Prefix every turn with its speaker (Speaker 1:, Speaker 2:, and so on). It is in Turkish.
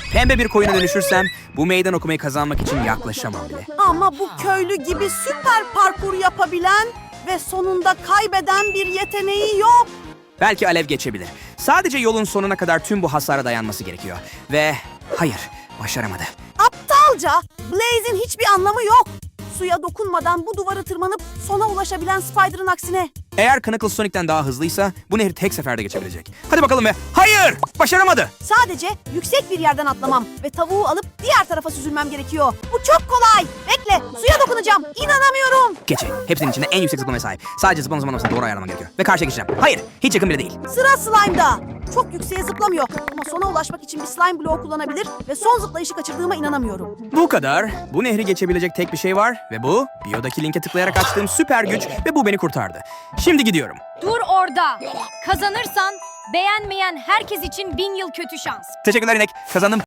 Speaker 1: pembe bir koyuna dönüşürsem bu meydan okumayı kazanmak için yaklaşamam bile.
Speaker 2: Ama bu köylü gibi süper parkur yapabilen ve sonunda kaybeden bir yeteneği yok.
Speaker 1: Belki Alev geçebilir. Sadece yolun sonuna kadar tüm bu hasara dayanması gerekiyor. Ve hayır, başaramadı.
Speaker 2: Aptalca, Blaze'in hiçbir anlamı yok. Suya dokunmadan bu duvarı tırmanıp sona ulaşabilen Spider'ın aksine.
Speaker 1: Eğer Knuckles Sonic'ten daha hızlıysa bu nehri tek seferde geçebilecek. Hadi bakalım ve hayır! Başaramadı!
Speaker 2: Sadece yüksek bir yerden atlamam ve tavuğu alıp diğer tarafa süzülmem gerekiyor. Bu çok kolay. Bekle, suya dokunacağım. İnanamıyorum.
Speaker 1: Geçi. Hepsinin içinde en yüksek zıplamaya sahip. Sadece zıplamasını doğru ayarlaman gerekiyor. Ve karşıya geçeceğim. Hayır, hiç yakın bile değil.
Speaker 2: Sıra Slime'da. Çok yükseğe zıplamıyor ama sona ulaşmak için bir slime bloğu kullanabilir ve son zıplayışı kaçırdığıma inanamıyorum.
Speaker 1: Bu kadar. Bu nehri geçebilecek tek bir şey var ve bu biyodaki linke tıklayarak açtığım süper güç ve bu beni kurtardı. Şimdi gidiyorum.
Speaker 3: Dur orada. Kazanırsan beğenmeyen herkes için 1000 yıl kötü şans.
Speaker 1: Teşekkürler inek. Kazandım.